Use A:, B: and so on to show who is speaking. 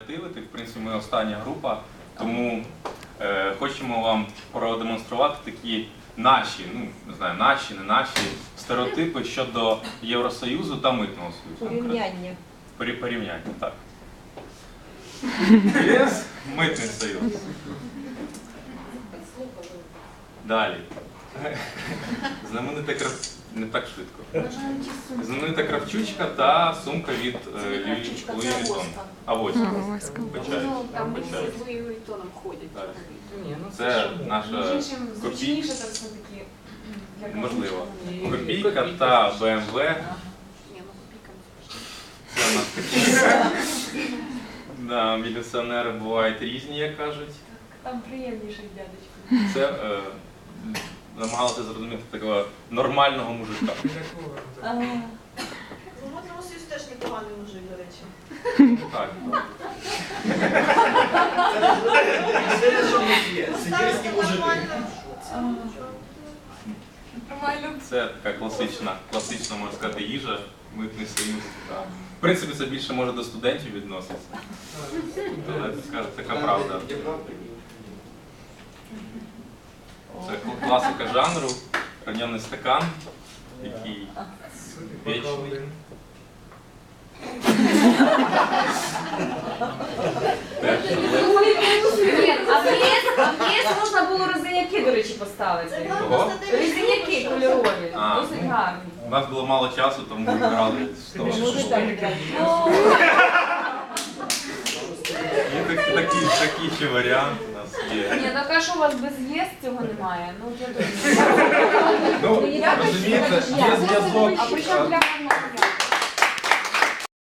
A: креативити. В принципі, ми остання група, тому хочемо вам продемонструвати такі наші, ну, не знаю, наші, не наші стереотипи щодо Євросоюзу та Митного Союзу.
B: Порівняння.
A: Порівняння, так. ЄС, Митний Союз. Далі. Знаменита не так швидко. Знаменита кравчучка та сумка від Луї Віттон. А ось.
C: Там ми з Луї Віттоном ходять.
A: Це наша копійка.
C: Там все-таки.
A: Можливо. Копійка та БМВ.
C: Ні, ну копійка.
A: Це у нас копійка. Да, міліціонери бувають різні, як кажуть.
C: Там приємніший дядечко.
A: Це намагалися зрозуміти такого нормального мужика.
D: В Митному Союзі теж непоганий мужик, до речі.
A: Так.
E: Це що не є. Сибірські мужики.
C: Нормально.
A: Це така класична, можна сказати, їжа, Митний Союз. Так. В принципі, це більше може до студентів відноситься. Але це така правда. Це класика жанру, ранений стакан, який вічний.
B: Ні, а в ЄС можна було розиняки, до речі, поставити.
A: Кого?
B: Розиняки кольорові,
A: А,
B: досить
A: ну.
B: гарні.
A: У нас було мало часу, тому ми грали з того. Є такий ще варіант у нас є.
B: Ні, так а що у вас без ЄС цього немає? Ну, я думаю.
A: Ну, розумієте, є зв'язок.
B: А при чому для гарного?